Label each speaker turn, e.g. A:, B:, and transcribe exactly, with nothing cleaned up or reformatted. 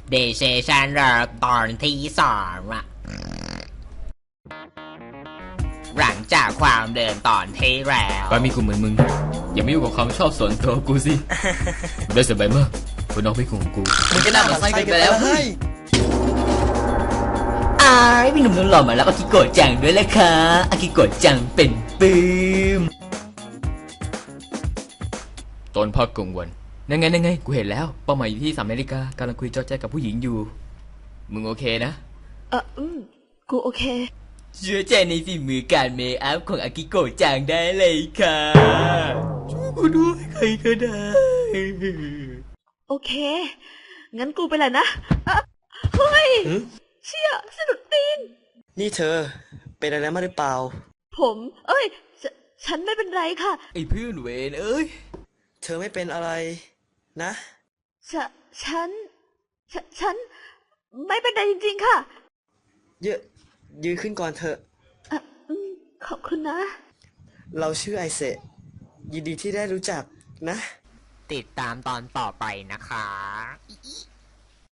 A: เดชชันเรอตอนที่สองอะหลังจากความเดินตอนที่แล้ว
B: การมีกูเหมือนมึงอย่าไม่ยุ่งกับความชอบส่วนตัวกูสิได้สบายมากคนน้องไม่ของกูมึงก็น่ามาใส่กันไปแล้วเฮ้ย
A: อ้ายพี่หนุ่มนุ่นหล่อมาแล้วอากิโกะจังด้วยแหละค่ะอากิโกะจังเป็นปื้ม
B: ตอนพักกลางวันนั่งไงนั่งไงกูเห็นแล้วเป้าหมายอยู่ที่สามนาฬิกากำลังคุยจอแจกับผู้หญิงอยู่มึงโอเคนะ
C: เอออืมกูโอเค
A: เชื่อใจในฝีมือการเมคอัพของอากิโกะจังได้เลยค่ะช่วยกูด้วยใครก็ได้
C: โอเคงั้นกูไปเลยนะอะเฮ้ยเชี่ยสะดุดตีน
D: นี่เธอเป็นอะไรมาหรือเปล่า
C: ผมเอ้ยฉฉันไม่เป็นไรค่ะ
B: ไอ้เพื่อนเวนเอ้ย
D: เธอไม่เป็นอะไรนะ
C: ฉฉันฉฉันไม่เป็นไรจริงๆค่ะ
D: เยอะยืนขึ้นก่อนเถอะ
C: อ่ะอืมขอบคุณนะ
D: เราชื่อไอเซะยินดีที่ได้รู้จักนะ
A: ติดตามตอนต่อไปนะคะ